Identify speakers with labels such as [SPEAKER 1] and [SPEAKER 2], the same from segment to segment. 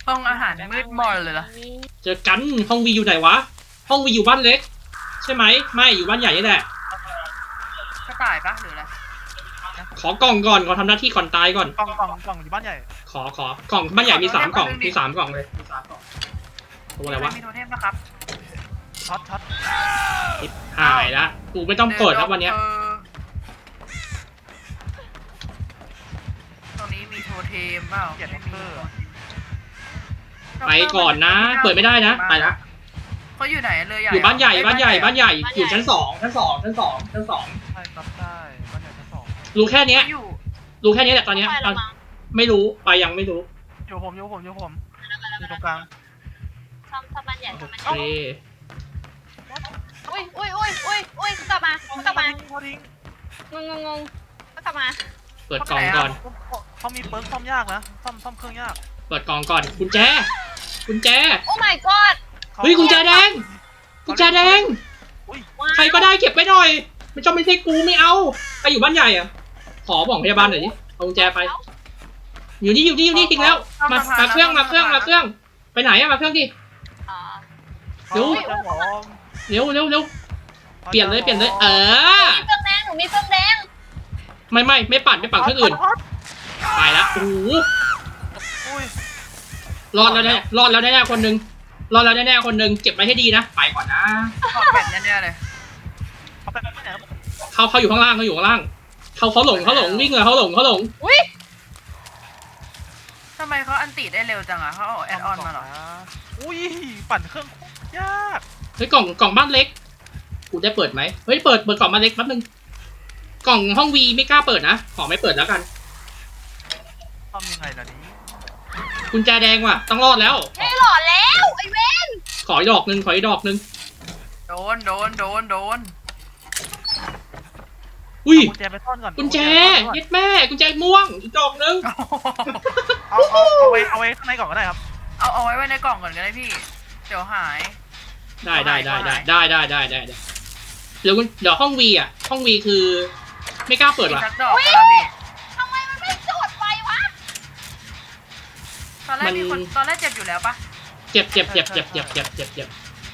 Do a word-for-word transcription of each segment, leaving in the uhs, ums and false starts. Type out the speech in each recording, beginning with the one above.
[SPEAKER 1] ห้องอาหารมืดมนเลยล่ะ
[SPEAKER 2] เจอกันห้องวีอยู่ไหนวะห้องวีอยู่บ้านเล็กใช่ไหมไม่อยู่บ้านใหญ่นี่แหละ
[SPEAKER 1] กระต่ายปะหรืออะไร
[SPEAKER 2] ขอกล่องก่อนขอทำหน้าที่ก่อนตายก่อน
[SPEAKER 3] กล่องกล่องกล่องอยู่บ้านใหญ่
[SPEAKER 2] ขอขอกล่องบ้านใหญ่มีสามกล่องมีสามกล่องเลยมีสามกล่องตัวอะไรวะ
[SPEAKER 1] มีโทเทมนะครับ
[SPEAKER 3] ช็อตช็อต
[SPEAKER 2] หายละกูไม่ต้องเปิดแล้ววันเนี้ย
[SPEAKER 1] ตรงนี้มีโทเทมเปล่า
[SPEAKER 3] เกียร์ด็อกเตอร์
[SPEAKER 2] ไปก่อนนะเปิดไม่ได้นะไปละ
[SPEAKER 1] เขาอยู่ไหนเลย
[SPEAKER 2] อยู่บ้านใหญ่บ้านใหญ่บ้านใหญ่อยู่ชั้นสองชั้นสองชั้นสองชั้นสอง
[SPEAKER 3] ใช่ครับใช่บ้านใหญ่ชั้นสอง
[SPEAKER 2] รู้แค่เนี้ยรู้แค่นี้แหละตอนนี้ไม่รู้ไปยังไม่รู้
[SPEAKER 3] อยู่ผมอยู่ผมอยู่ผมอยู่ตรงกลาง
[SPEAKER 4] ทำทำบ้านใหญ่ทำบ้านใหญ่
[SPEAKER 2] โอเค
[SPEAKER 4] อุ้ยอุ้ยอุ้ยอุ้ยอุ้ยกลับมากลับมา
[SPEAKER 3] พอทิ้ง
[SPEAKER 4] งงงงกลับมา
[SPEAKER 2] เปิดกล่องก่อน
[SPEAKER 3] เขามีเปิร์กซ่อมยากนะซ่อมซ่อมเครื่องยาก
[SPEAKER 2] เปิดกล่องก่อนกุญแจกุญแจ
[SPEAKER 4] โอ้ my god
[SPEAKER 2] เฮ้ยกุญแจแดงกุญแจแดงใครก็ได้เก็บไปหน่อยไม่จำเป็นใช่กูไม่เอาไปอยู่บ้านใหญ่อะขอบอกพยาบาลหน่อยดิเอากุญแจไปอยู่นี่อยู่นี่อยู่นี่จริงแล้วมามาเครื่องมาเครื่องมาเครื่องไปไหนอะมาเครื่องดิเร็วเร็วเร็วเร็วเปลี่ยนเลยเปลี่ยนเลยเออ
[SPEAKER 4] มีเครื่องแดงหนูมีเครื่องแดง
[SPEAKER 2] ไม่ไม่ไม่ปั่นไม่ปั่นเครื่องอื่นไปละโอ้โหรอดแล้วแน่รอดแล้วแน่คนนึงรอดแล้วแน่คนนึงเก็บไว้ให้ดีนะไปก่อนนะ
[SPEAKER 1] แผ่นแน่ๆเลย
[SPEAKER 2] เขาเขาอยู่ข้างล่างเขาอยู่ข้างล่างเขาเขาหลงเขาหลงวิ่งเลยเขาหลงเขาหลง
[SPEAKER 4] อุ้ย
[SPEAKER 1] ทำไมเขาอันติได้เร็วจังอ่ะเขาเอาแอดออนมาหรอ
[SPEAKER 3] อุ้ยปั่นเครื่องยาก
[SPEAKER 2] เฮ้ยกล่องกล่องบ้านเล็กกูได้เปิดไหมเฮ้ยเปิดเปิดกล่องบ้านเล็กแป๊บนึงกล่องห้องวีไม่กล้าเปิดนะขอไม่เปิดแล้วกัน
[SPEAKER 3] ทำยังไงล่ะนี้
[SPEAKER 2] กุญแจแดงว่ะต้องรอดแล้ว
[SPEAKER 4] ไม่หลอดแล้วไอ้เว้น
[SPEAKER 2] ขออีกดอกนึงขออีกดอกนึง
[SPEAKER 1] โดนโดนโดนโดน
[SPEAKER 2] อุ้ย
[SPEAKER 3] กุญแจไปซ่อนก่อน
[SPEAKER 2] กุญแจยึดแม่กุญแจม่วงอีกดอกนึง
[SPEAKER 3] เอาเอาเอาไว้เอาไว้ข้างในก่อนก็ได้ครับ
[SPEAKER 1] เอาเอาไว้ไว้ในกล่องก่อนก็ได้พี่เดี๋ยวหาย
[SPEAKER 2] ได้ได้ได้ได้ได้ได้ได้ได้ได้เดี๋ยวเดี๋ยวห้องวีอ่ะห้องวีคือไม่กล้าเปิดว่ะ
[SPEAKER 4] ทำไมมันไม่จดไววะ
[SPEAKER 1] ตอนแรกมีคนตอนแรกเจ็บอยู่แล้วปะ
[SPEAKER 2] เจ็บเจ็บเจ็บเจ็บเจ็บเจ็บเจ็บเจ็บ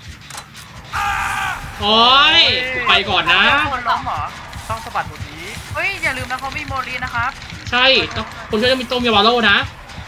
[SPEAKER 2] โอ้ยไปก่อนนะ
[SPEAKER 1] คนล้มเหรอ
[SPEAKER 3] ต้องสะบัดหมดนี้
[SPEAKER 1] เฮ้ยอย่าลืมนะเขามีโมลีนะครับ
[SPEAKER 2] ใช่คนช่วยจะมีต้มยาบาโร่นะ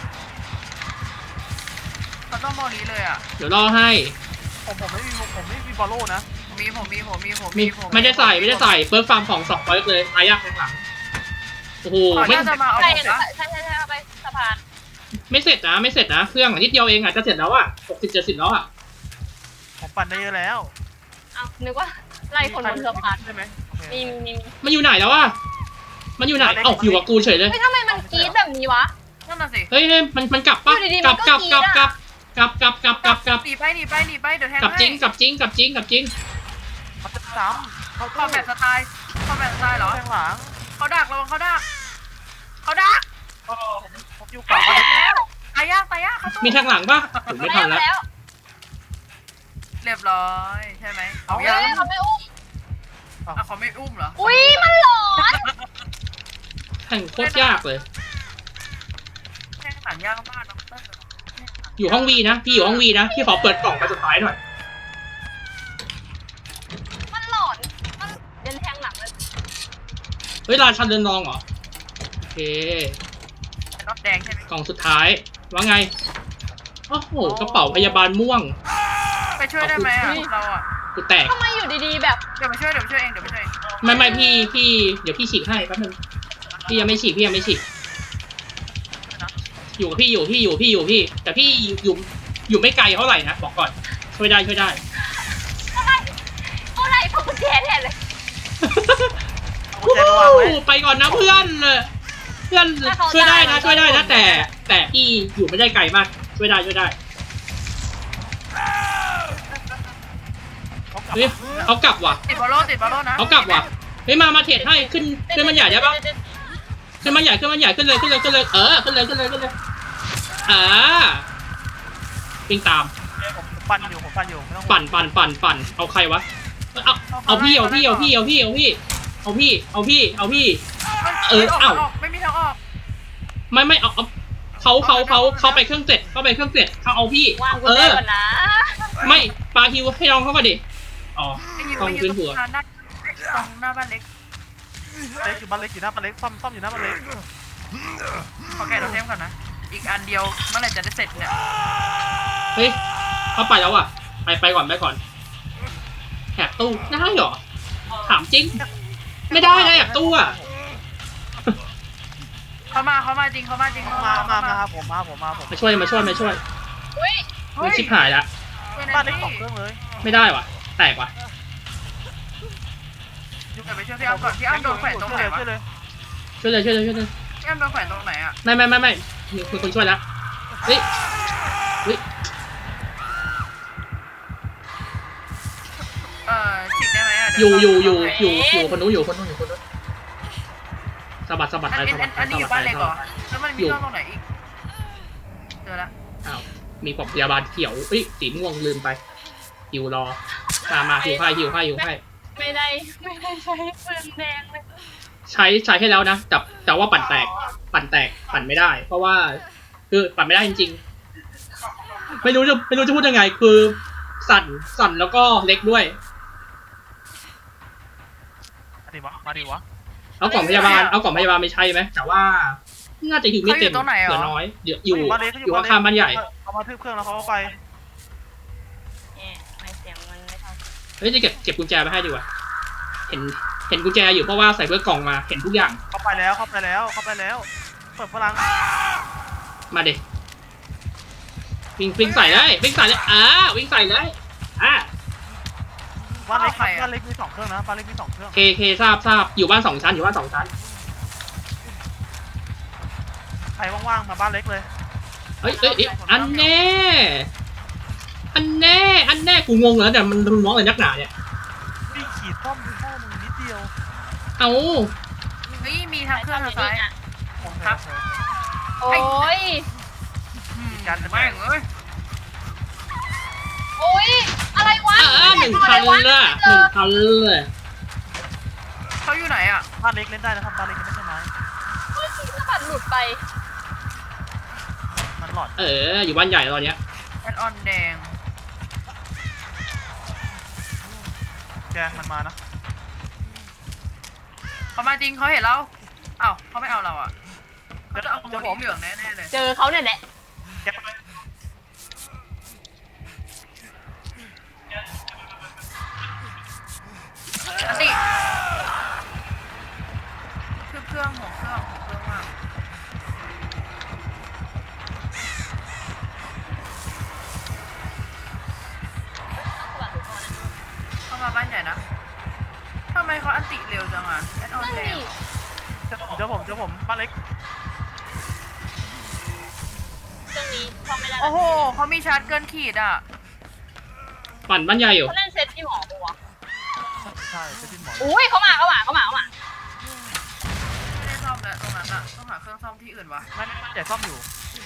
[SPEAKER 1] เขาต้องโมลีเลยอ่ะ
[SPEAKER 2] เดี๋ยวรอให้
[SPEAKER 3] ผมผมไม่มีผมไม่มีบอลโล่นะ
[SPEAKER 1] มีผมมีผมมีผม
[SPEAKER 2] มีไม่ได้ใส่ไม่ได้ใส่เปิร์ฟาร์มของสองเปิร์ฟเลยอายากข้างหลังโอ้โห
[SPEAKER 1] ไม่จะมาเอา
[SPEAKER 4] ใช่ใช่ใช่ใช่เอาไปสะพาน
[SPEAKER 2] ไม่เสร็จนะไม่เสร็จนะเครื่องนิดเดียวเองอ่ะจะเสร็จแล้วอ่ะหกสิบเจ็ดสิบแล้วอ่ะ
[SPEAKER 3] ผมปั่นได้เยอะแล้ว
[SPEAKER 4] เอานึกว่าไล่คนบนสะพาน
[SPEAKER 3] ใช่ไหม
[SPEAKER 4] มีมี
[SPEAKER 2] มันอยู่ไหนแล้วอ่ะมันอยู่ไหนเอ้าอยู่กับกูเฉยเลย
[SPEAKER 4] เฮ้ยทำไมมันกรี๊ดแบบนี้วะ
[SPEAKER 1] นั่นน่ะสิ
[SPEAKER 2] เฮ้ยมันมันกลับปะกลับกลับกลับกลับกลับกลับกลับกลับกลับ
[SPEAKER 1] หนีไปหนีไปหนีไปเดี๋ยวแทง
[SPEAKER 2] กลับจริงกลับจริงกลับจริงกลับจริง
[SPEAKER 3] เขาจะซ้ำ
[SPEAKER 1] เขาคอมแบทสไตล์คอมแบทสไตล์เหรอ
[SPEAKER 3] แทงหลัง
[SPEAKER 1] เขาดักระวังเขาดักเขาดัก
[SPEAKER 3] ผมอยู่กลับมา
[SPEAKER 1] แล้วตายยากตายยากเขา
[SPEAKER 2] มีทางหลังปะถึงไม่ทันแล้ว
[SPEAKER 1] เรียบร้อยใช่ไหม
[SPEAKER 4] เขาเขาไม่อุ้ม
[SPEAKER 1] อ่ะเขาไม่อุ้มเหรอ
[SPEAKER 4] อุ้ยมันหลอน
[SPEAKER 2] แข่งโคตรยากเลย
[SPEAKER 1] แข่งขันยากมากน้องเต้
[SPEAKER 2] อยู่ห้องวีนะพี่อยู่ห้องวีนะพี่ขอเปิดกล่องไปสุดท้ายหน่อย
[SPEAKER 4] มันหลอนมันเดินแทงหลังเลย
[SPEAKER 2] เฮ้ยราชันเดินรองเหรอโอเค
[SPEAKER 1] รถแดงใช่ไหม
[SPEAKER 2] กล่องสุดท้ายว่าไงโอ้โหกระเป๋าพยาบาลม่วง
[SPEAKER 1] ไปช่วยได้ไหมอ่ะเราอ่ะ
[SPEAKER 2] กูแตก
[SPEAKER 4] ทำไมอยู่ดีๆแบบ
[SPEAKER 1] เดี๋ยวไปช่วยเดี๋ยวไปช่วยเองเดี๋ยวไปช่วย
[SPEAKER 2] ไม่ไม่พี่พี่เดี๋ยวพี่ฉีกให้แป๊บนึงพี่ยังไม่ฉีกพี่ยังไม่ฉีกอยู่กับพี่อยู่พี่อยู่พี่อยู่พี่แต่พี่อยู่อยู่ไม่ไกลเท่าไหร่นะบอกก่อนช่วยได้ช่วยได้
[SPEAKER 4] เท่าไหร่ผมแย่แน่เลย
[SPEAKER 2] ไปก่อนนะเพื่อนเพื่อนช่วยได้นะช่วยได้นะแต่แต่พี่อยู่ไม่ได้ไกลมากช่วยได้ช่วยได้เฮ้ยเขากลับว่ะ
[SPEAKER 1] ติดบอลโล่ติดบอลโล่นะ
[SPEAKER 2] เขากลับว่ะเฮ้ยมามาเทรดให้ขึ้นขึ้นมันใหญ่ได้ปะขึ้นมันใหญ่ขึ้นมันใหญ่ขึ้นเลยขึ้นเลยขึ้นเลยเออขึ้นเลยขึ้นเลยขึ้นเลยอ่าวิ่งตาม
[SPEAKER 3] ผมปั่นอยู่ผมปั่นอยู่ไม่ต้อง
[SPEAKER 2] ปั่นปั่นปั่นปั่นเอาใครวะเอาเอาพี่เอาพี่เอาพี่เอาพี่เอาพี่เอาพี่เอาพี่เอาพี่เออเอ้า
[SPEAKER 1] ไม่มีทางออก
[SPEAKER 2] ไม่ไม่เอาเอาเขาเขาเขาเขาไปเครื่องเสร็จเขาไปเครื่องเสร็จเขาเอาพี่
[SPEAKER 4] วางกุ
[SPEAKER 2] เอ
[SPEAKER 4] ญแจ
[SPEAKER 2] อ
[SPEAKER 4] ก่อนนะ
[SPEAKER 2] ไม่ปาฮิวให้น้องเขาก่อนดิอ๋อ
[SPEAKER 1] ไอ้ยิว
[SPEAKER 2] ต้อง
[SPEAKER 1] ไอ้ยิ
[SPEAKER 2] ขึ้
[SPEAKER 1] วน ตร
[SPEAKER 2] หัว
[SPEAKER 1] งหน้าหน้าตรงหน้าบ้านเล็ก
[SPEAKER 3] เล็กอยู่บ้านเล็กอยู่หน้าบ้านเล็กซ่อมซ่อมอยู่หน้าบ้านเล็ก
[SPEAKER 1] ขอแกะเราเทมก่อนนะ อีกอันเดียวเมื่อไหร่จะได้เสร็จเนี่ย
[SPEAKER 2] เฮ้ยเขาไปแล้วอ่ะไปไปก่อนไปก่อนแหกตู้ได้เหรอถามจริง ไม่ได้เลยแหกตู้อ่ะ
[SPEAKER 1] เขามาเขามาจริงเขามาจริงเขา
[SPEAKER 3] มา
[SPEAKER 1] มา
[SPEAKER 3] มา
[SPEAKER 1] เขา
[SPEAKER 3] มาครับผมมาผมมาผม
[SPEAKER 2] มาช่วยมาช่วยมาช่วย
[SPEAKER 4] อุ้ย
[SPEAKER 2] มันชิบหายละ
[SPEAKER 1] ช่วย
[SPEAKER 3] บ้า
[SPEAKER 1] บ้าน น
[SPEAKER 3] เล็
[SPEAKER 1] เล็
[SPEAKER 3] ก
[SPEAKER 1] ก
[SPEAKER 3] สองเครื่องเลย
[SPEAKER 2] ไม่ได้ว่ะแตกว่ะ
[SPEAKER 1] เดี๋ยวไปช่วยพี่อ้ำก่อนพี่อ้ำโดนแขวนตรงไหนวะ
[SPEAKER 3] ช่วยเลย
[SPEAKER 2] ช่วยเลยช่วยเลยช่วยเลย
[SPEAKER 1] พี่อ้ำโดนแขวนตรงไหนอ่ะ
[SPEAKER 2] ไม่ไม่ไม่ไม่มีมีคนช่วยแล้วเฮ้ยเฮ้ย
[SPEAKER 1] เอ่อฉีกได้ไหมอ่ะ
[SPEAKER 2] อยู่อยู่อยู่อยู่อยู่คนนู้นอยู่คนนู้นอยู่คนนู้นสะบัดสะบัด
[SPEAKER 1] อัน
[SPEAKER 2] ไป
[SPEAKER 1] นี้
[SPEAKER 2] สะบัดไป
[SPEAKER 1] อันนี้อ
[SPEAKER 2] สะ
[SPEAKER 1] ยู่
[SPEAKER 2] บั
[SPEAKER 1] บ้า
[SPEAKER 2] ด
[SPEAKER 1] น
[SPEAKER 2] ไป
[SPEAKER 1] เล็กเหรอ
[SPEAKER 2] สะบัด
[SPEAKER 1] แล้วมันมีเครื่องตรงไหนอีก เจอละ
[SPEAKER 2] อ้าวมีปลอกพยาบาลเขียวเอ้ยสีม่วงลืมไปหิวรอมามาหิวไข่หิวไข่หิวไข่
[SPEAKER 4] ไม่ได้ไม่ได้ใช้ปืนแดงเลย
[SPEAKER 2] ใช้ใช้ให้แล้วนะแต่แต่ว่าปั่นแตกปั่นแตกปั่นไม่ได้ เพราะว่าคือปั่นไม่ได้จริงๆไม่รู้จะไม่รู้จะพูดยังไง คือสั่นสั่นแล้วก็เล็กด้วย
[SPEAKER 3] มาดิวะมาดิวะ
[SPEAKER 2] เอากล่องพยาบาลเอากล่องพยาบาลไม่ใช่ไหมแต่ว่าน่าจะหิวไม่เต็มเหลือน้อยเดี๋ยวอยู่
[SPEAKER 3] บ้านเล็ก
[SPEAKER 2] อยู่ข้างๆบ้านใหญ่
[SPEAKER 3] เขามาทึบเครื่องแล้วเขาก็ไป
[SPEAKER 4] เนี่ยไม่เสียงมันไม่เท่า
[SPEAKER 2] เฮ้ยจะเก็บเก็บกุญแจไปให้ดีกว่าเห็นเห็นกุญแจอยู่เพราะว่าใส่เพื่อกล่องมาเห็นทุกอย่าง
[SPEAKER 3] เขาไปแล้วเขาไปแล้วเขาไปแล้วเปิดพลัง
[SPEAKER 2] มาเด็วิ่งวิ่งใส่เลยวิ่งใส่เลยอ่าวิ่งใส่เลยอ่า
[SPEAKER 3] บ้านเล็กครับบ้านเล็กมีสองเครื่องนะบ้านเล็กมีสองเครื่อง
[SPEAKER 2] เคเคทราบทราบอยู่บ้านสองชั้นอยู่บ้านสองชั้น
[SPEAKER 3] ใครว่างๆมาบ้านเล็กเลย
[SPEAKER 2] เอ้ยเอ้ยเอ้ยอันแน่อันแน่อันแน่กูงงแล้วแต่มันมันมองอะไรนักหนาเนี่ย
[SPEAKER 3] วิ่งขีดซ่อมพ่อมึงนิดเดียว
[SPEAKER 2] เอา
[SPEAKER 1] เฮ้ยมีทางเครื่องทางซ้าย
[SPEAKER 3] ครับ
[SPEAKER 4] โอ้ย
[SPEAKER 1] อืมแม่งเอ้ย
[SPEAKER 4] โอ้ยอะไรวะ
[SPEAKER 2] อ่าหนึ่งพันเลยหนึ่งพันเลย
[SPEAKER 1] เขาอยู่ไหนอ่ะ
[SPEAKER 3] บ้านเล็กเล่นได้นะครับบ้านเล็กไม่ใช่ไม้
[SPEAKER 4] เฮ้ยสะบัดหลุดไป
[SPEAKER 3] มันหลอด
[SPEAKER 2] เอออยู่บ้านใหญ่ตอนเนี้ย
[SPEAKER 1] แอดออนแดง
[SPEAKER 3] แกมันมานะ
[SPEAKER 1] เขามาจริงเขาเห็นเราเอ้าเขาไม่เอาเราอ่ะเขาจะเอาโมดีเหลืองแน่ๆเลย
[SPEAKER 4] เจอเขาเนี่ยแหละ
[SPEAKER 3] แกไป
[SPEAKER 1] อันนี้คือเครื่องหัวเครื่องหัวเครื่องมากเข้ามาบ้านใหญ่นะทำไมเขาอันติเร็วจังอ่ะแอดออน
[SPEAKER 4] นั่น
[SPEAKER 1] แด
[SPEAKER 4] นี่
[SPEAKER 1] ง
[SPEAKER 3] เดี๋ยวผมเดี๋ยวผมเดี๋ยวผมบ้านเล็ก
[SPEAKER 4] เครื่องนี้พอไม่ได้
[SPEAKER 1] โอ้โหเขามีชาร์จเกินขีดอ่ะ
[SPEAKER 2] ปั่นบ้านใหญ่อยู่
[SPEAKER 4] เขาเล่นเซตที่หมอปัว
[SPEAKER 3] ใช่จะดิ้นหมอน
[SPEAKER 4] อุ้ยเขามาเขามาเขามาเขามา
[SPEAKER 1] ไม่ได้ซ่อมแล้วตรงนั้นอ่ะต้องหาเครื่องซ่อมที่อื่นวะ
[SPEAKER 3] ไม่ไม่ไม่ใหญ่ซ่อมอยู่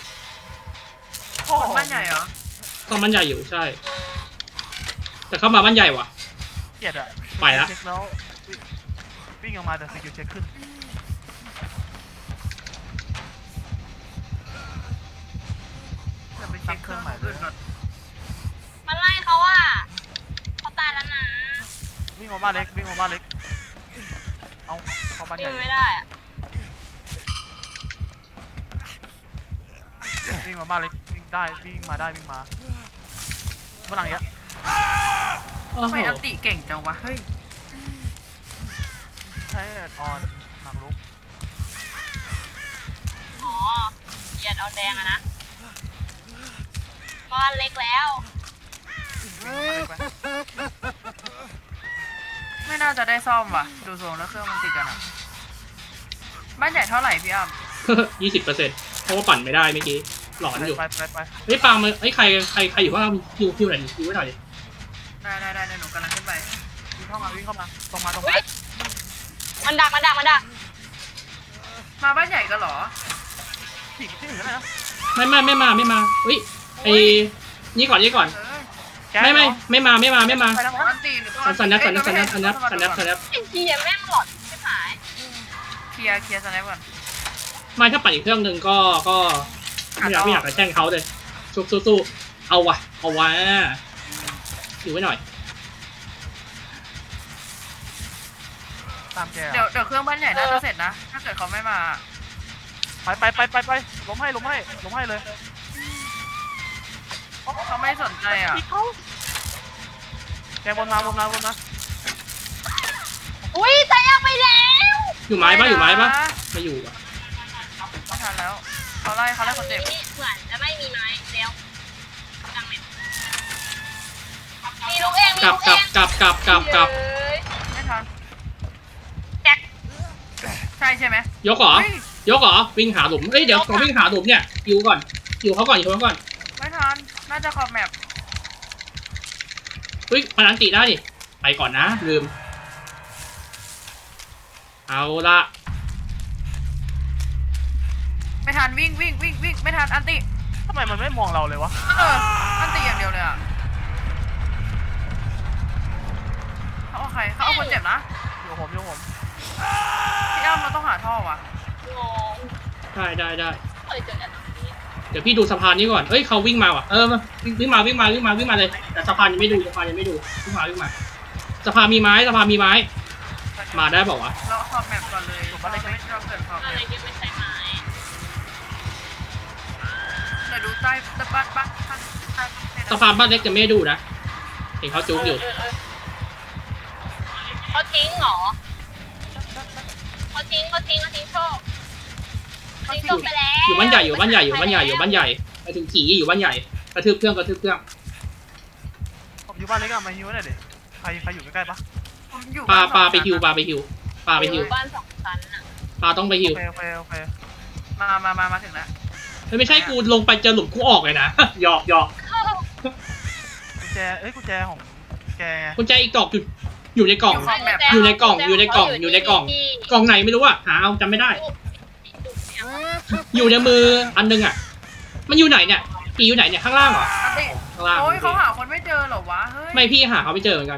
[SPEAKER 1] คนบ้านใหญ่เหรอ
[SPEAKER 2] ต้องบ้านใหญ่อยู่ใช่ แต่เข้ามาบ้านใหญ่ว่ะ
[SPEAKER 3] เกลียดอะ
[SPEAKER 2] ไปละ
[SPEAKER 3] เช็คแล้ววิ่งออกมาแต่สกิลเช็คขึ้น
[SPEAKER 1] จะไปเช็คเครื่องอื่นก่อน
[SPEAKER 4] มันไล่เขาอ่ะเขาตายแล้วนะ
[SPEAKER 3] วิ่งมาบ้านเล็กวิ่งมาบ้านเล็กเอาเข้าบ้านให
[SPEAKER 4] วิ่
[SPEAKER 3] ญ่
[SPEAKER 4] งไม่ได้อ่ะ
[SPEAKER 3] วิ่งมาบ้านเล็กวิ่งได้วิ่งมาได้วิ่งมาฝรั่งเนี้ย
[SPEAKER 2] โอ้
[SPEAKER 1] ทำ
[SPEAKER 2] โห
[SPEAKER 1] ไมอันติเก่งจังวะเฮ้ย
[SPEAKER 3] ใช้ออนหมากรุก
[SPEAKER 4] อ๋อเหยียดเอาแดงอะนะบ้านเล็กแล้ว
[SPEAKER 3] วิ่งมาบ้านเล็กไป
[SPEAKER 1] ไม่น่าจะได้ซ่อมว่ะดูทรงแล้วเครื่องมันติดกันอ่ะบ้านใหญ่เท่าไหร่พี่อ้ำ
[SPEAKER 2] ยี่สิบเปอร์เซ็นต์เพราะว่าปั่นไม่ได้เมื่อกี้หลอนอยู่
[SPEAKER 3] ไปไปไป
[SPEAKER 2] เฮ้ยปาล์มเฮ้ยใครใครใครอยู่ข้างล่างคิวคิวหน่อยดิคิวไว้หน่อยดิ
[SPEAKER 1] ได้ได้ได้เดี๋ยวหนูกำลังขึ้นไป
[SPEAKER 3] วิ่งเข้ามาวิ่งเข้ามาตรงมาตรง
[SPEAKER 4] เฮ้
[SPEAKER 3] มาย
[SPEAKER 4] มันดักมันดักมันดัก
[SPEAKER 1] มาบ้านใหญ่กันเหรอ
[SPEAKER 3] ผีที่อื่นก็ได้นะ
[SPEAKER 2] ไม่ไม่ไม่มาไม่มาเฮ้ยไอ้นี่ก่อนนี่ก่อน
[SPEAKER 1] เอ้ย
[SPEAKER 3] แก
[SPEAKER 2] ไม่ไม่ไม่มาไม่มาไม่มา
[SPEAKER 3] ไปทาง
[SPEAKER 1] อันตีหรือต้อง
[SPEAKER 2] สันนับสันนับสันนับสันนับสันนับสันนับ
[SPEAKER 4] ไอ้เหี้ยแม่งหลอดไม่หาย
[SPEAKER 1] เคลียร์เคลียร์สแนปก่อน
[SPEAKER 2] ไม่ถ้าปั่นอีกเครื่องหนึ่งก็ก็ไม่อยากไม่อยากจะแช่งเขาเลยสู้สู้สู้เอาวะเอาวะอยู่ไว้หน่อย
[SPEAKER 3] ตามแก
[SPEAKER 1] เดี๋ยวเดี๋ยวเครื่องบ้านใหญ่น่าจะเสร็จนะ ถ้าเกิดเขาไม่มา
[SPEAKER 3] ไปไปไปไปไปล้มให้ล้มให้ล้มให้เลย
[SPEAKER 1] เขาไม่สนใจอ่ะ
[SPEAKER 3] อีกเขาแกวนมาวนมาวนมา
[SPEAKER 4] อุ้ยตายยังไปแล้ว
[SPEAKER 2] อยู่ไม้ปะอยู่ไม้ปะไม่อยู่อ่ะ
[SPEAKER 1] ไม่ทันแล้วเขาไล่เขาไล่คนเจ็บ
[SPEAKER 4] นี่เหมือนจะไม่มีไม้แล้วจังเลยมีลูกเองมี
[SPEAKER 2] กลับ
[SPEAKER 4] ลูก
[SPEAKER 2] กลับ
[SPEAKER 4] เอง
[SPEAKER 2] กลับกลับกลับกลับ
[SPEAKER 4] เย้ย
[SPEAKER 1] ไม่ทัน
[SPEAKER 4] แจ็ค
[SPEAKER 1] ใช่ใช่ไหม
[SPEAKER 2] ยกเหรอ
[SPEAKER 1] เฮ้ย
[SPEAKER 2] ยกเหรอวิ่งหาหลุมเอ้ยเดี๋ยวก่อนวิ่งหาหลุมเนี่ยยิวก่อนยิวเขาก่อนยิวเขาก่อน
[SPEAKER 1] ไม่ทัน น่าจะขอบแมป
[SPEAKER 2] เฮ้ยมันอันติได้ดิไปก่อนนะลืมเอาละ
[SPEAKER 1] ไม่ทันวิ่งวิ่งวิ่งวิ่งไม่ทันอันติ
[SPEAKER 3] ทำไมมันไม่มองเราเลยวะ
[SPEAKER 1] เอออันติอย่างเดียวเลยอ่ะเขาเอาใครเขาเอาคนเจ็บนะ
[SPEAKER 3] อยู่ผมอยู่ผม
[SPEAKER 1] พี่อ้ำเราต้องหาท่อว่ะ
[SPEAKER 4] งง
[SPEAKER 2] ได้ได้ได้
[SPEAKER 4] เคยเจอแบบนี้
[SPEAKER 2] เดี๋ยวพี่ดูสะพานนี้ก่อนเอ้ยเขาวิ่งมาว่ะเออมาวิ่งวิ่งมาวิ่งมาวิ่งมาวิ่งมาเลยแต่สะพานยังไม่ดูสะพานยังไม่ดูวิ่งมาวิ่งมาสะพานมีไม้สะพานมีไม้ มาได้บอกว่าวะ
[SPEAKER 1] เราขอบแมปก่อนเลยเราไม่เราเกิดขอบแม
[SPEAKER 4] อะไร
[SPEAKER 1] ป
[SPEAKER 4] ที่ไม่ใช่ไม้
[SPEAKER 1] เดี๋ยวดูใต้ใต้บ้านบ้านใต้ใต้
[SPEAKER 2] สะพานบ้านเล็กจะไม่ได้ดูนะเห็นเขาจุกอยู่
[SPEAKER 4] เเเเขาทิ้งเหรอเขาทิ้งเขาทิ้งเขาทิ้งโชคทิ้งโชคไปแล้ว
[SPEAKER 2] อยู่บ้านใหญ่อยู่บ้านใหญ่อยู่บ้านใหญ่อยู่บ้านใหญ่ไปถึงขี่อยู่บ้านใหญ่กระทืบเครื่องกระทืบเครื่อง
[SPEAKER 3] ผมอยู่บ้านเล็กอะมาฮิวหน่อยดิใครใครอยู่ใกล้ๆปะ
[SPEAKER 1] ผมอยู่
[SPEAKER 2] ปลา
[SPEAKER 1] บ้น
[SPEAKER 2] ปลา
[SPEAKER 1] สอง
[SPEAKER 2] ไปฮิวปลาไปฮิวปลาไปฮิว
[SPEAKER 4] บ้านสองชั้นน่ะ
[SPEAKER 2] ปลาต้องไปฮิ
[SPEAKER 3] โอ
[SPEAKER 2] ว
[SPEAKER 3] เคโอเคโอเค
[SPEAKER 1] มามามามาถึงแล้ว
[SPEAKER 2] ไม่ใช่กูลงไปเจอหลุมกูออกเลยนะ หยอกหยอก
[SPEAKER 3] กุญแจเอ้ยกุญแจของแกไง
[SPEAKER 2] กุญแจอีกดอกอยู่อยู่ในกล่อง
[SPEAKER 1] ขอบแมป
[SPEAKER 2] อยู่ในกล่องอยู่ในกล่องอยู่ในกล่อง กล่องไหนไม่รู้อะหาเอาจำไม่ได้ อยู่ในมืออันนึงอะมันอยู่ไหนเนี่ยปีอยู่ไหนเนี่ยข้างล่างเหรอ
[SPEAKER 1] อันติ
[SPEAKER 2] ข้างล่าง
[SPEAKER 1] โอ้ยเขาหาคนไม่เจอเหรอวะเฮ้ย
[SPEAKER 2] ไม่พี่หาเขาไม่เจอเหมือนกัน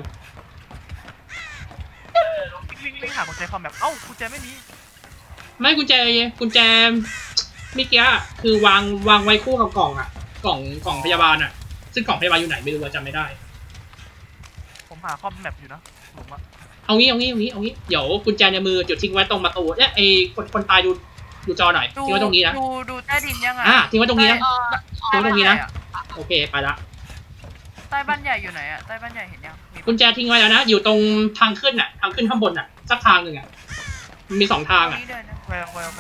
[SPEAKER 3] วิ่งวิ่งหากุญแจคอมแบบเอ้ากุญแจไม่มี
[SPEAKER 2] ไม่กุญแจกุญแจเมื่อกี้คือวางวางไว้คู่กับกล่องอะกล่องกล่องพยาบาลอะซึ่งกล่องพยาบาลอยู่ไหนไม่รู้อะจำไม่ได้
[SPEAKER 3] ผมหาคอมแมปอยู่นะผมอะ
[SPEAKER 2] เอางี้เอางี้เอางี้เอางี้เดี๋ยวกุญแจในมือจุดทิ้งไว้ตรงประตูเนี่ยไอคนคนตายดูดูจอหน่อย
[SPEAKER 1] ดู
[SPEAKER 2] ทิ้งไว้ตรงนี้นะ
[SPEAKER 1] ดูดูใต้ดินยังไง
[SPEAKER 2] อ่ะทิ้งไว้ตรงนี้นะ
[SPEAKER 4] เออ
[SPEAKER 2] ทิ้งไว้ตรงนี้นะโอเคไปละ
[SPEAKER 1] ใต้บ้านใหญ่อยู่ไหนอะใต้บ้านใหญ่เห็นยังมี
[SPEAKER 2] กุญแจทิ้งไว้แล้วนะอยู่ตรงทางขึ้นอะทางขึ้นข้างบนอะสักทางหนึ่งอะมันมีสองทางอะ
[SPEAKER 1] นี่เดินนะ
[SPEAKER 3] โอเคโอเคโอเค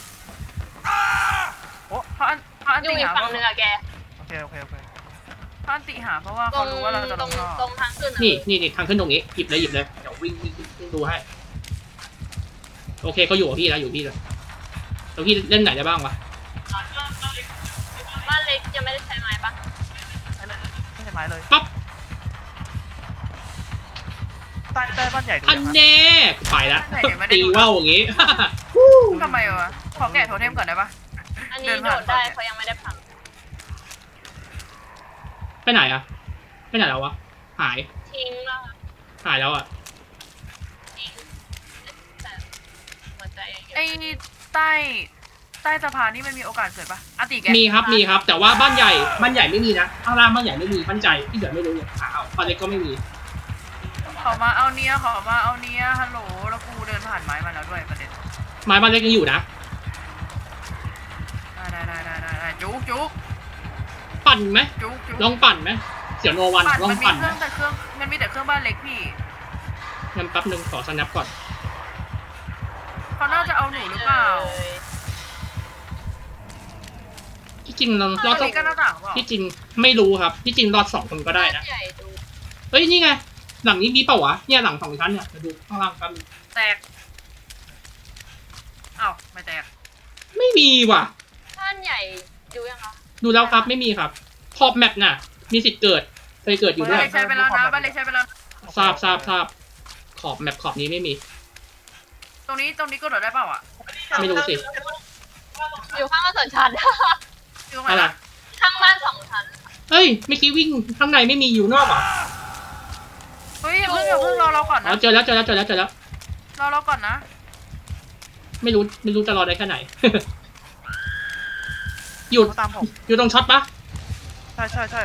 [SPEAKER 1] เพราะอันเพราะอัน
[SPEAKER 4] อยู่
[SPEAKER 1] ติ
[SPEAKER 4] อีก
[SPEAKER 1] หา
[SPEAKER 4] ฝั่งหนึ่งอะแก
[SPEAKER 3] โอเคโอเคโอเค
[SPEAKER 1] เพราะอันติหาเพราะว่า
[SPEAKER 4] ตร
[SPEAKER 1] เขา
[SPEAKER 4] ง
[SPEAKER 1] รู้ว่าเราจะ
[SPEAKER 4] ต
[SPEAKER 1] ล
[SPEAKER 4] รง
[SPEAKER 1] งท่อ
[SPEAKER 4] ตรงทางขึ้นอะ
[SPEAKER 2] นี่นี่นี่ทางขึ้นตรงนี้หยิบเลยหยิบเลยเดี๋ยววิ่งวิ่งวิ่งดูให้โอเคเขาอยู่กับพี่แล้วอยู่พี่แล้วแล้วพี่เล่นไหนได้บ้างวะ
[SPEAKER 4] บ้านเล็กยังไม่ได้ใช้ไม้ปะ
[SPEAKER 3] ไม่ใช่ไม้เลย
[SPEAKER 2] ปั๊บ
[SPEAKER 3] ใต้ใต้บ้านใหญ่ดู
[SPEAKER 2] อัน
[SPEAKER 3] ยังครับ
[SPEAKER 2] แน่ไปละตีว่าวอย่างงี้
[SPEAKER 1] ทำไมวะขอแกะโทเทมก่อนได้ปะ
[SPEAKER 4] อันนี้
[SPEAKER 1] เดิน
[SPEAKER 4] โด
[SPEAKER 1] ผ่าน
[SPEAKER 4] ดได้
[SPEAKER 1] ก่อน
[SPEAKER 4] เขายังไม่ได้พัง
[SPEAKER 2] ไปไหนอะไปไหนแล้ววะหาย
[SPEAKER 4] ทิ้งแล้วอะ
[SPEAKER 2] หายแล้วอะ
[SPEAKER 4] ทิ้งแต่หัวใจยังอยู่
[SPEAKER 1] ไอ้ใต้ใต้สะพานนี่มันมีโอกาสเกิดปะอันติแก
[SPEAKER 2] มีครับมีครับ แต่ว่าบ้านใหญ่บ้านใหญ่ไม่มีนะข้างล่างบ้านใหญ่ไม่มีบ้านใจที่เหลือไม่รู้เนี่ยหาเอาบ้านเล็กก็ไม่มี
[SPEAKER 1] ขอมาเอาเนี้ยขอมาเอาเนี้ยฮัลโหลแล้วกูเดินผ่านไม้มาแล้วด้วยประเด็น
[SPEAKER 2] ไม้บ้านเล็กยังอยู่นะ
[SPEAKER 1] ได้ได้ได้ได้ได้จุกจุก
[SPEAKER 2] ปั่นไหม
[SPEAKER 1] จุกจุก
[SPEAKER 2] ลองปั่นไหมเสียโนวัน
[SPEAKER 1] ปั่น
[SPEAKER 2] ลอ
[SPEAKER 1] มั
[SPEAKER 2] ง
[SPEAKER 1] นมี
[SPEAKER 2] ปั่น
[SPEAKER 1] เค
[SPEAKER 2] ไหม
[SPEAKER 1] รื่องแต่เครื่องมันมีแต่เครื่องบ้านเล็กพี่
[SPEAKER 2] งั้นแป๊บนึงขอสแนปก่อน
[SPEAKER 1] เขาน่าจะเอาหนูหรือเปล่า
[SPEAKER 2] ที่จริงเรา
[SPEAKER 1] ต
[SPEAKER 2] ร
[SPEAKER 1] อ
[SPEAKER 2] อน ดสอง
[SPEAKER 1] นี้ก็หน้าต่างเปล่า
[SPEAKER 2] ที่จริงไม่รู้ครับที่จริงรอดสองคนก็ได้นะ
[SPEAKER 4] ใหญ่ดู
[SPEAKER 2] เฮ้ยนี่ไงหลังนี้มีเปล่าวะเนี่ยหลังสองชั้นเนี่ยมาดูข้างล่างกันง
[SPEAKER 1] แตกอ้าวไม่แตก
[SPEAKER 2] ไม่มีว่ะ
[SPEAKER 4] บ้านใหญ่ดูยังคะ
[SPEAKER 2] ดูแล้วครับไม่มีครับขอบแมปน่ะ มีสิทธิ์เกิดเคยเกิดอยู่ด้
[SPEAKER 1] บ้า
[SPEAKER 2] วน ย
[SPEAKER 1] เล็กใช้ไปแล้วนะบ้านเล็กใช้ไปแล้ว
[SPEAKER 2] ทราบทราบทราบขอบแมปขอบนี้ไม่มี
[SPEAKER 1] ตรงนี้ตรงนี้ก็โดดได้เปล่าอ่ะ
[SPEAKER 2] ไม่รู้สิ
[SPEAKER 4] อยู่ข้างบ้านสองชั้น
[SPEAKER 1] อยู่ตรงไหน
[SPEAKER 2] อะไร
[SPEAKER 1] ล่ะ
[SPEAKER 4] ข้างบ้านสองชั้น
[SPEAKER 2] เฮ้ยเมื่อกี้วิ่งข้างในไม่มีอยู่นอกเหรอ
[SPEAKER 1] เฮ้ยอย่าเพิ่งอย่าเพิ่งรอเราก่อน
[SPEAKER 2] อ๋อ
[SPEAKER 1] นะ
[SPEAKER 2] เจอแล้วเจอแล้วเจอแล้วเจอแล้ว
[SPEAKER 1] รอเราก่อนนะ
[SPEAKER 2] ไม่รู้ไม่รู้จะรอได้แค่ไหนอยู่
[SPEAKER 3] เขาตามผม
[SPEAKER 2] อยู่ตรงช็อตปะ
[SPEAKER 3] ใช่ใช่ใช่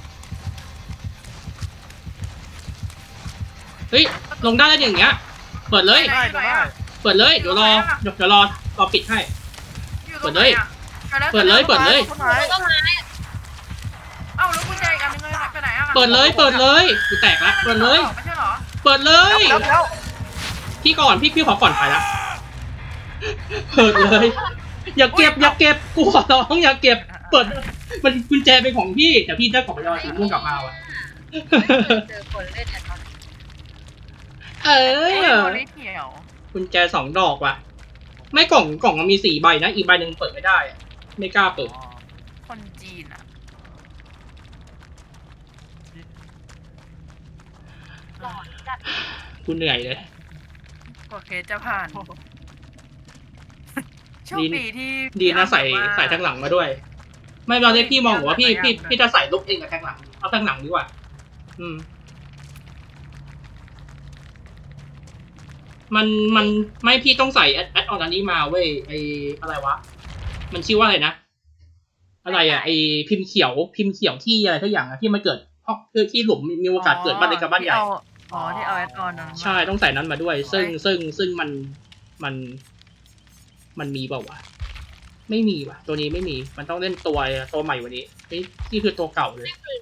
[SPEAKER 2] เฮ้ยลงได้แล้วอย่างเงี้ยเปิดเลย
[SPEAKER 3] ได้เดี๋ยวได้
[SPEAKER 2] เปิดเลยเดี๋ยวรอเดี๋ยวเดี๋ยวรอรอปิดให้
[SPEAKER 1] อยู่ตรงไหนอะ
[SPEAKER 2] เปิดเลยเปิดเลย
[SPEAKER 3] ต้นไม้
[SPEAKER 4] ต้นไม้
[SPEAKER 1] เอ้าแล้วกุญแจอีกอันนึงไปไหนอะ
[SPEAKER 2] เปิดเลยเปิดเลยกูแตกละเปิดเลย
[SPEAKER 1] ไม่ใช่เหรอ
[SPEAKER 2] เปิดเลย
[SPEAKER 3] แล้วแล้ว
[SPEAKER 2] พี่ก่อนพี่พี่ขอก่อนไปละเปิดเลย อย่าเก็บอย่าเก็บกูขอร้องอย่าเก็บ เปิดมันกุญแจเป็นของพี่แต่พี่ได้ของยอสีม่วงกลับมาว่ะ
[SPEAKER 4] เจอคนเล่นเนี่ยตอนนี้
[SPEAKER 2] เอ
[SPEAKER 1] เอ้ย
[SPEAKER 2] อ
[SPEAKER 1] โมได้เขียว
[SPEAKER 2] กุญแจสองดอกว่ะ ไม่กล่องกล่องมันมีสี่ใบนะอีกใบหนึ่งเปิดไม่ได้อะไม่กล้าเปิด
[SPEAKER 3] อ๋อ
[SPEAKER 1] คนจีนอะ
[SPEAKER 4] หลอนจัด
[SPEAKER 2] กูเหนื่อยเลย
[SPEAKER 1] กว่าเคสจะผ่านโชคดีที่
[SPEAKER 2] ดีนะใส่
[SPEAKER 1] พี่อ้ำ
[SPEAKER 2] ใส่แทงหลังมาด้วย ไม่ตอนนี้พี่มองว่าพี่พี่พี่จะใส่ลูกเองกับแทงหลังเอาแทงหลังดีกว่า อืม มันมันไม่พี่ต้องใส่แอดแอดออนอันนี้มาเว้ยไออะไรวะ มันชื่อว่าอะไรนะ อะไรอ่ะไอพิมพ์เขียวพิมพ์เขียวที่อะไรทุกอย่างอะที่มันเกิดเพราะคือที่หลุมมีมีโอกาสเกิดบ้านเล็กกับบ้านใหญ่
[SPEAKER 1] ที่เออ๋อที่เอาแอดออนนั้นมา
[SPEAKER 2] ใช่ต้องใส่นั้นมาด้วย ซึ่งซึ่งซึ่งมันมันมันมีเปล่าวะไม่มีว่ะ ตัวนี้ไม่มีมันต้องเล่นตัวตัวใหม่กวันนี้นี่นี่คือตัวเก่าเลย
[SPEAKER 4] ไม่คือ